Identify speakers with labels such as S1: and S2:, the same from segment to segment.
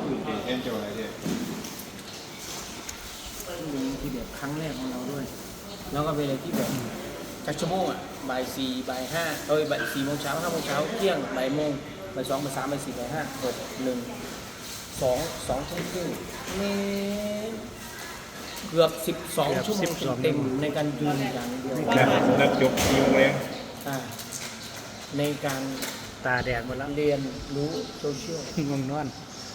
S1: อื่นแทนเจ้าอะไรเนี่ย
S2: ทีเดียวครั้งแรกของเราด้วยแล้วก็เป็นอะไรที่แบบจักชั่วโมงอ่ะบ่ายสี่บ่ายห้าบ่าย4 โมงเช้า5 โมงเช้าเที่ยงบ่ายโมงบ่าย2 บ่าย 3 บ่าย 4 บ่าย 5 6 1 2 ทุ่มครึ่งเกือบ12 ชั่วโมงเต็มในการยืนอย่างเดียว
S1: นักจบกี่โมงแรง
S2: ในการ
S3: ตาแดงหมดแล้ว
S2: เรียนรู้โซเชียล
S3: งงนอน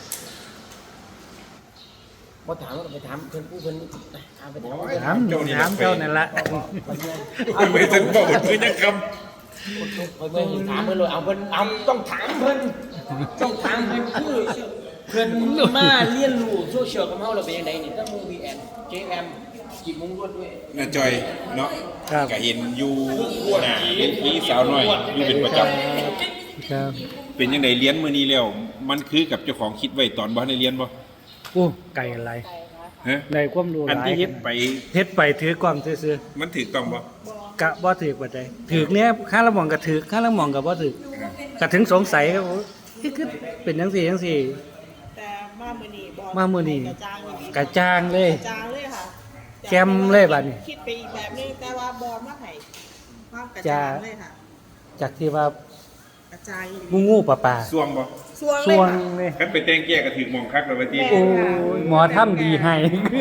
S2: พอถามว่าไปถามเพื่อนผู้เพื่อนถามไปถาม
S3: เจ้านั่นละ
S1: ไม่ถึงบอกเพื่อนยังค
S2: เพื่อนถามเพื่อนเลยเอาเพื่อนเอาต้องถามเพื่อนต้องถามเพื่อนคือเพื่อนมาเรียนรู้โซเชียลกับเขาเราเป็นยังไงนี่ต้องมูวีแอนเจแอมจีบมุ้งรวดด้วย
S1: น่าจอยเนาะก็เห็นอยู่หน้าเห็นพี่สาวน้อยอยู่เป็นประจำเป็นยังไงเรียนมื้อนี้แล้วมันคือกับเจ้าของคิดไว้ตอนบ่ได้เรียนบ่
S3: โอ้ไก่อะไรในความรู้หลาย
S1: อันที่เฮ็ด
S3: ไปถือกล้องซื่อ
S1: มันถูกต้องบ่
S3: กะบ่ถือบ่ได้ถือเนี้ยข้าละหม่องก็ถือข้าละหม่องก็บ่ถือก็ถึงสงสัยครับคือเป็นจังซี่
S4: แต่มามื้อนี้
S3: กระจ่างเลย
S4: ค่ะ
S3: แจ่มเลยบัดนี้
S4: คิดไปอีกแบบนึงแต่ว่าบ่มาให้ความกระจ่างเลยค่ะ
S3: จากที่ว่าก
S4: ระจาย
S3: งูป่า
S1: ส่วงบ่
S4: ส่วง
S3: เลย
S1: คันไปแต่งแก้ก็ถึงมองคักแล้วว่าติ
S3: โอ้หมอทำดีให้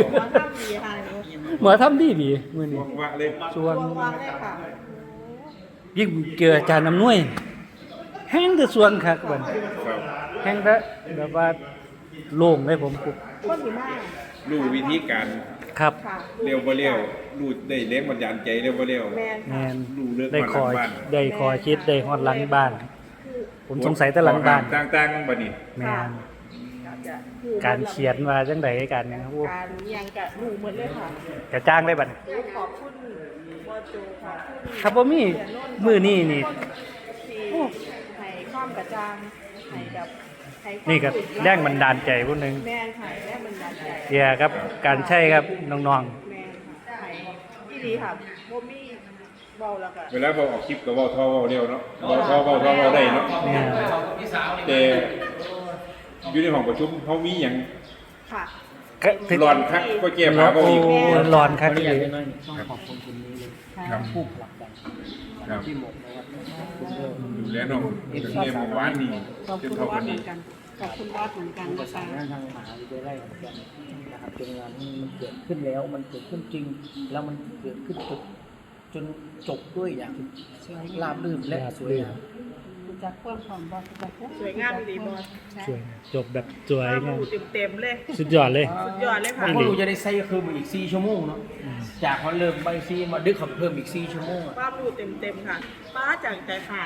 S3: หมอทำดีมื้อนี้
S1: ว่าเลย
S3: ส่วง
S4: เลยค่ะ
S3: ยิ่งเจออาจารย์อำนวยแห้งแต่ส่วงคักบัดแห้งแบบว่าโล่งเลยผม
S4: คนดีมาก
S1: รู้วิธีการ
S3: ครับ
S1: เร็วบ่เร็วรู้ได้แรงบันดาลใจเร็วบ่เร็ว
S3: แม่น
S1: รู้เรื่อง
S3: ได้คอยคิดได้ฮอดหลังบ้านผมสงสัยแต่หลังบ้าน
S1: ต่างๆบัดนี้
S3: แม่นการเขียนว่าจังได๋การหยังครับ
S4: การยังกะรู้หมดเลยค่ะ
S3: กระจ้างได้บัด
S4: ขอบคุณบ่โจค่ะ
S3: ครับบ่มีมื้อนี้นี่
S4: ให้ความกระจ่างให้แบบ
S3: นี่ก็แรงบันดาลใจผู้นึง
S4: แม่นค่ะแรงบันดาลใจ
S3: เกี่ยวกับการใช้ครับน้อง
S4: ๆแม่นค่ะให้ที่ดีค่ะบ่มีเว้าแล้วก็
S1: เวลาบ่ออกคลิปก็เว้าท่อเว้าเร็วเนาะเว้าท่อเว้าได้เนาะแต่อยู่ในห้องประชุมเฮามีหยัง
S4: ค่ะ
S1: ร้อนคักก็แก้ผ้าบ่อีก
S3: ร้อนคักเลย
S2: ต้องขอบคุณคนนี้เลย
S1: ครับ
S2: ผู้ผลักดัน
S1: ครับ
S2: ที่หมดนะครับ
S1: ดูแลน้องเรียนเมื่อวานนี้จนเท่าวันนี้
S4: ขอบคุณบอสเหมือนกัน
S2: ประสานงานทางมหาวิทยาลัยขอนแก่นนะครับจนงานนี้มันเกิดขึ้นแล้วมันเกิดขึ้นจริงแล้วมันเกิดขึ้นจนจบด้วยอย่างราบรื่นและสวยงาม
S4: จากความของบอสสวยงามดีบอส
S3: สวยจบแบบสวยงาม
S4: เต็มเลย
S3: สุดยอดเลย
S4: ค่ะ
S2: พวกเราจะได้ใช้คือมาอีก4 ชั่วโมงเนาะจากมันเริ่มไป4มาดึกขับเพิ่มอีก4 ชั่วโมง
S4: ป้าดูเต็มค่ะป้าจาก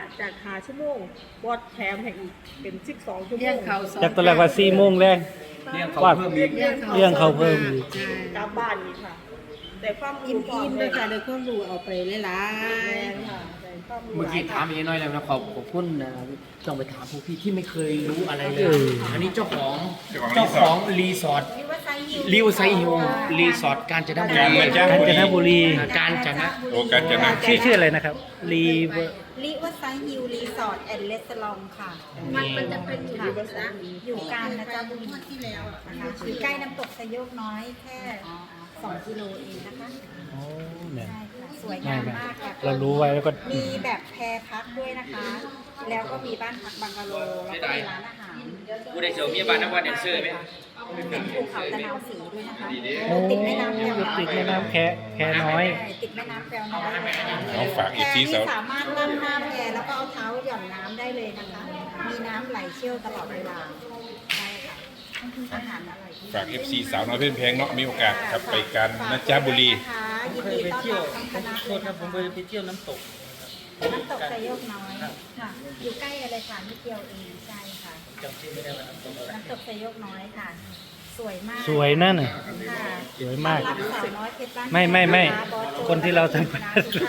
S4: 5 ชั่วโมงบอสแถมให้อีกเป็น12 ชั่วโมง
S3: จากตอนแรกว่า4 โมงแรง
S2: เลี้ยงเขาเพิ่มอีก
S3: เลี้ยงเขาเพิ่มอีก
S4: กลับบ้านอีกค่ะแต่ความ
S5: อิ่มด้วยค่ะโดยความรู้เอาไปหลาย
S4: ๆค่ะ
S2: เมื่อกี้ถามอีกน้อยแล้วนะขอบคุณนะต้องไปถามพวกพี่ที่ไม่เคยรู้อะไรเลยอันนี้เจ้าของรีสอร์ทริวไซฮิลรีสอร์ทกาญจนบุรีกาญจน
S3: ชื่ออะไรนะครับ
S5: ริวไซฮิลรีสอร์ทแอนด์เรสตอรองค่ะมันจะเป็นอยู่กาญจนบุรีที่แล้วนะคะอยู่ใกล้น้ำตกไซโยกน้อยแค่2 กิโลเองนะคะใช่ค่ะสวยงามมากค่ะ
S3: เรารู้ไว้แล้วก็
S5: มีแบบแพรพักด้วยนะคะแล้วก็มีบ้านพักบังกะโลแล้วก็มีร้านอาหาร
S2: กูได้เจอมีบ้านนักวันแดนเซอร์ไหม
S5: เป็นภูเขาตะนาวสีด้วยนะคะ
S3: ติดแม่น้ำแค่น้อย
S5: ติดแม่น้ำแควน้อย
S1: น้องฝากอีกที
S5: สามารถนั่งหน้าแพแล้วก็เอาเท้าหย่อนน้ำได้เลยนะคะมีน้ำไหลเชี่ยวตลอดเวลาใช่ค่ะอาหารอร่อย
S1: ฝาก FC สาวน้อยเพื่อนแพงเนาะมีโอกาสครับไปกันนะจ๊ะบุรี
S2: เคยไปเที่ยวโทษครับผมเคยไปเที่ยวน้ำตก
S5: ไซโยกน้อยค่ะอยู่ใกล้กันเลยค่ะนิดเดียวเองใช่ค่ะ
S2: จำชื่อไม่ได้
S5: น้ำตกไซโยกน้อยค่ะสวยมาก
S3: สวยนั่นน่ะสวยมากไม่คนที่เราทำ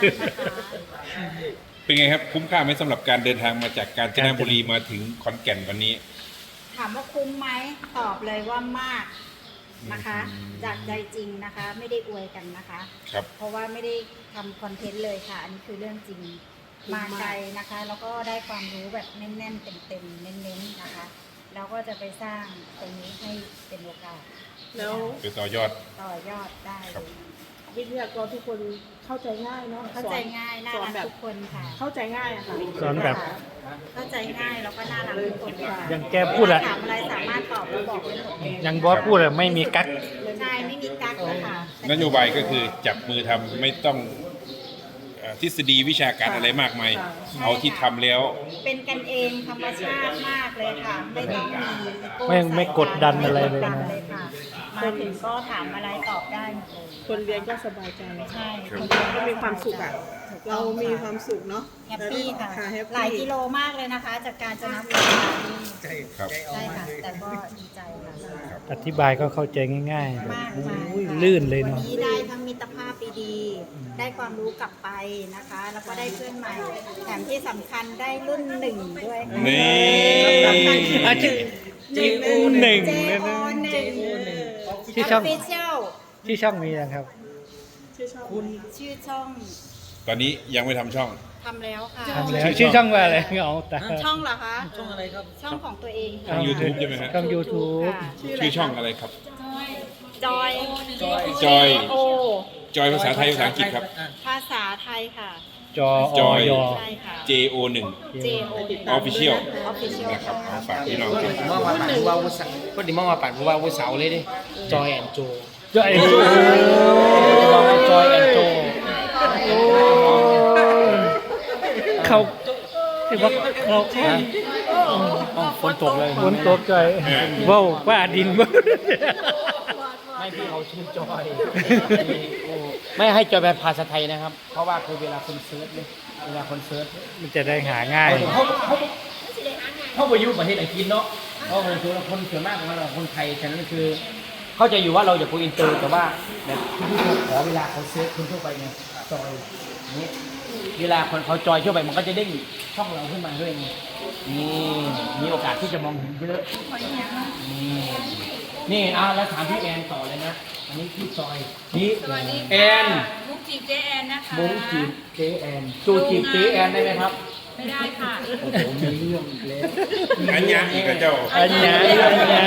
S1: เป็นไงครับคุ้มค่าไหมสำหรับการเดินทางมาจากกาญจนบุรีมาถึงขอนแก่นวันนี้
S5: ถามว่าคุ้มไหมตอบเลยว่ามากนะคะจากใจจริงนะคะไม่ได้อวยกันนะคะเพราะว่าไม่ได้ทำคอนเทนต์เลยค่ะอันนี้คือเรื่องจริงมาไกลนะคะแล้วก็ได้ความรู้แบบแน่นๆเต็มๆเน้นๆนะคะเราก็จะไปสร้างตรงนี้ให้เป็นโอกาส
S4: แล้ว
S1: ไปต่อยอด
S5: ต่อยอดได้เลย
S4: วิทยากรทุกคนเข้าใจง่ายเนาะ
S5: เข้าใจง่ายน่า
S4: สอน
S5: รัก
S4: แบบ
S5: ทุกคนค่ะ
S4: เข้าใจง่ายอะค่ะ
S3: สอนแบบ
S5: เข้าใจง่ายแล้วก็น่ารักทุกคนค่ะ
S3: อย่างแกพูดอะ
S5: ถามอะไรสามารถตอบแล้วบอกได้หมดเลย
S3: อย่างบอสพูดอะไม่มีกั๊ก
S5: ใช่ไม่มีกั๊กนะคะ
S1: นโยบายก็คือจับมือทำไม่ต้องทฤษฎีวิชาการอะไรมากมาย เอาที่ทำแล้ว
S5: เป็นกันเองธรรมชาติมากเลยค่ะ ไม่ต้องมีอีโก้
S3: ไม่กดดันอะไรเลย
S5: ไม่กดดัน
S3: นะ
S5: เลยค่ะ มาถึงก็ถามอะไรตอบได้หมดเลย
S4: คนเรียนก็สบายใจ
S5: ใช่
S1: ครับ
S4: ก็มีความสุขอ่ะ เรามีความสุขเนาะ
S5: แฮปปี้ค่ะ
S4: แฮปปี้
S5: หลายกิโลมากเลยนะคะ จากการจะนับ
S1: ครับ
S5: ใช่ค่ะ แต่ก็ดีใจค่ะ
S3: อธิบายก็เข้าใจง่ายๆแบบ
S5: มาก
S3: โอ้
S5: มาย
S3: ย
S5: ค่ะ
S3: ลื่นเลย
S5: วัน
S3: เนาะ
S5: นี้ได้ทั้งมิตรภาพดีๆได้ความรู้กลับไปนะคะ แล้วก็ได้เพื่อนใหม่ แถมที่สำคัญได้รุ่นหนึ่งด้วยค่ะ
S1: นี่
S5: สำคัญคือ
S3: อ่ะ JO1
S5: JO1
S3: ที่ช่อง
S5: Official
S3: ที่ช่องมีนะครับ
S4: ชื่อชอบ
S5: ชื่อช่อง
S1: ตอนนี้ยังไม่ทำช่อง
S5: ทำแล้วค่ะ
S3: ทำแล้วชื่อช่องว่าอะไรเอาแต่
S5: ช่องเหรอคะ ช่องอะไรครับ ช่องของตัวเอง
S1: ช่อง YouTube ใช่ไหมฮะ
S3: ช่อง YouTube
S5: ค่ะ
S1: ชื่อช่องอะไรครับ
S5: จอย
S1: จอย
S5: โอ
S1: จอยภาษาไทยภาษาอังกฤษครับ
S5: ภาษาไทยค่ะ
S3: จอ
S1: จ
S3: อ
S1: อย
S3: ย
S5: ใช่ค่ะ
S1: JO1
S5: JO
S1: Official
S5: Official
S1: นะครับเอาฝากพี่น้อง
S2: คนที่มองว่าปั่นผู้ว่าวุฒิคนที่มองว่าปั่นผู้ว่าวุฒิเสาเลยดิจอยแอนโจ
S3: จอย
S2: มองว่าจอยแอนโจ
S3: เขาที่ว่าเรา
S2: ฝนตกเลย
S3: ฝนตกใจว้าวว่าดินบ่
S2: ไม่พี่เขาชื่อจอยไม่ให้จอยแบบภาษาไทยนะครับ เพราะว่าคือเวลาคนเซิร์ชเนี่ยเวลาคนเซิร์ช
S3: มันจะได้หาง่าย
S2: เขาไปอยู่ประเทศอังกฤษเนาะเพราะคนส่วนมากของเราคนไทยฉะนั้นคือ เข้าใจอยู่ว่าเราอยากคุยอินเตอร์แต่ว่าแบบที่ขอเวลาเขาเซิร์ชคนทั่วไปไงจอยอย่างนี้เวลาคนเขาจอยทั่วไปมันก็จะเด้งช่องเราขึ้นมาด้วยไงนี่มีโอกาสที่จะมองเห็นเยอะนี่แล้วถามพี่แอนต่อเลยนะอันนี้พี่จอยนี่แอน
S6: มุกจีบเจแอนนะคะ
S2: มุ้งจีบเจแอนจูจีบเจแอนได้ไหมครับ
S6: ไม่ได้ค่ะ
S2: โอ้โหมีเรื่องอีกแล้ว
S1: อันยังอีกกับเจ้า
S3: อันนี้อันนี้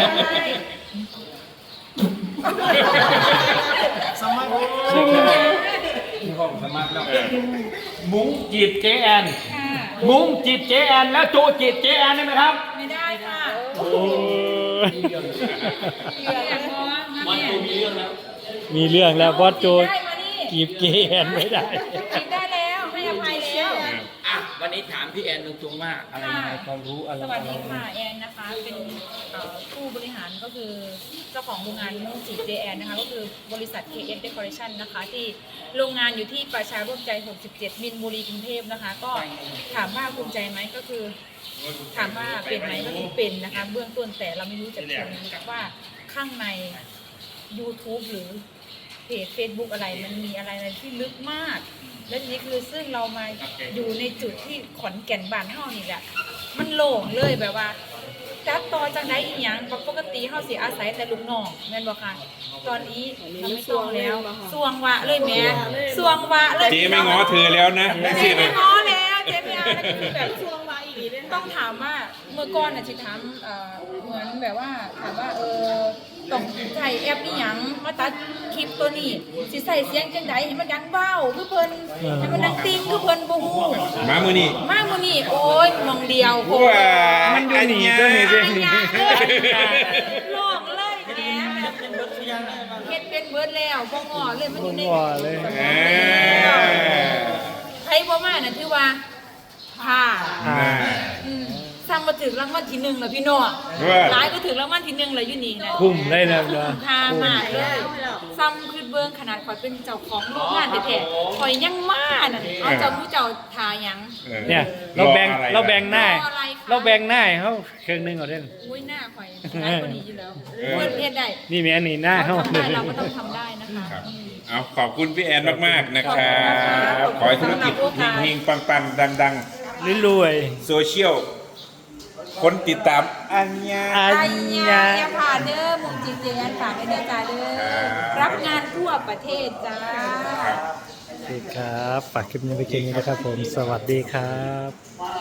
S2: สมัครที่ห้องสมัครแล้วมุ้งจีบเจแอนมุ้งจีบเจแอนแล้วโจจีบเจแอนได้ไหมครับ
S6: ไม่ได้ค่ะ
S3: โอ้ย
S6: เดี๋ยวมองนะ
S2: มัน
S6: เนี่ย
S2: ตูมีเรื่องแล้ว
S3: มีเรื่องแล้วบอสโจ
S6: ได้มานี่
S3: กีบเกนไม่ได้
S6: จีบได้แล้วให้อภัยแล้ว
S2: อ่ะวันนี้ถามพี่แอนตรงๆว่าอะไรยังไงความรู้อะไร
S6: สวัสดีค่ะแอนนะคะ เป็นผู้บริหารก็คือเจ้าของโรงงานมุกจีบเจแอนนะคะ ก็คือบริษัท KS Decoration นะคะ ที่โรงงานอยู่ที่ประชาร่วมใจ 67 มินบุรีกรุงเทพนะคะ ก็ถามว่าภูมิใจไหมก็คือ ถามว่าเป็นไหมก็คือเป็นนะคะ เบื้องต้นแต่เราไม่รู้จักคนว่าข้างใน YouTube หรือเพจ Facebook อะไรมันมีอะไรที่ลึกมาก และทีนี้คือซึ่งเรามาอยู่ในจุดที่ขอนแก่นบ้านเฮานี่แหละมันโล่งเลยแบบว่าจัดต่อจังไดอีหยังปกติเฮาสิอาศัยแต่ลูกน้องแม่นบ่คะตอนนี้เราไม่ต้องแล้วสวงวะเลยแม่สวงวะเลย
S1: เจ๊ไม่ง้อเธอแล้วนะไม่
S6: เจ๊
S1: สิเล
S6: ไม่
S1: ย
S6: ง้อแล้วเจ๊ไม่เอาแล้วคือแบบสวงวะอีกทีต้องถามว่าเมื่อก่อนน่ะสิถามเหมือนแบบว่าถามว่าต้องใช้แอปอีหยังมาตัดคลิปตัวนี้สิใส่เสียงจังไดให้มันดังเบ้าคือเพิ่นให้มันดังติ้งคือเพิ่นบ่ฮู้
S1: มามือนี่
S6: มามื้อนี้โอ้ยมองเดียวโค
S1: ว้า
S3: มันอยู่หนีก็หนีด้วยหนี
S6: ลอกเลยแหมเฮ็ดเป็นเบิดแล้วบ่งอเลยมันอยู่ใน
S3: ว่าเลย
S6: ใครบ่มาน่ะถือว่าผ่า ซ้ำมาถึงรางวัลที่หนึ่งแล้วพี่น้องหลายก็ถึงรางวัลที่หนึ่งแล้วอยู่นี่นะ
S3: คุ้มได้แล้วเนาะ
S6: คุ้มค่ามากเลยซ้ำคือเบิ้งขนาดข่อยเป็นเจ้าของโรงงานแท้ๆข่อยยังมาน่ะเอาเจ้าผู้เจ้าทาหยัง
S3: เนี่ยเราแบ่ง
S1: รออะไร
S3: เราแบ่งหน้า
S6: รออะไรคะ
S3: เราแบ่งหน้าให้เขาเครื่องหนึงเอาเด้น
S6: อุ้ยหน้าข่อยหลายกว่านี้อยู่แล้วเพื่อนเพศได้
S3: นี่มีอันนี้หน้าเขา
S6: ทำได้เราก็ต้องทำได้นะคะ
S1: ครับเอาขอบคุณพี่แอนมากๆนะครับขอให้ธุรกิจเฮงๆปังๆดัง
S3: รวย
S1: ๆโซเชียลคนติดตามอันยา
S3: ๆอั
S6: ไอ้
S3: น
S6: เนี่ย
S3: ยา
S6: อย่าผ่านเด้อมุมจริงๆอันผ่านไปเด้อจ้าเด้อรับงานทั่วประเทศจ้า
S3: โอเคครับฝากคลิปนี้ไปแค่นี้นะครับผม สวัสดีครับ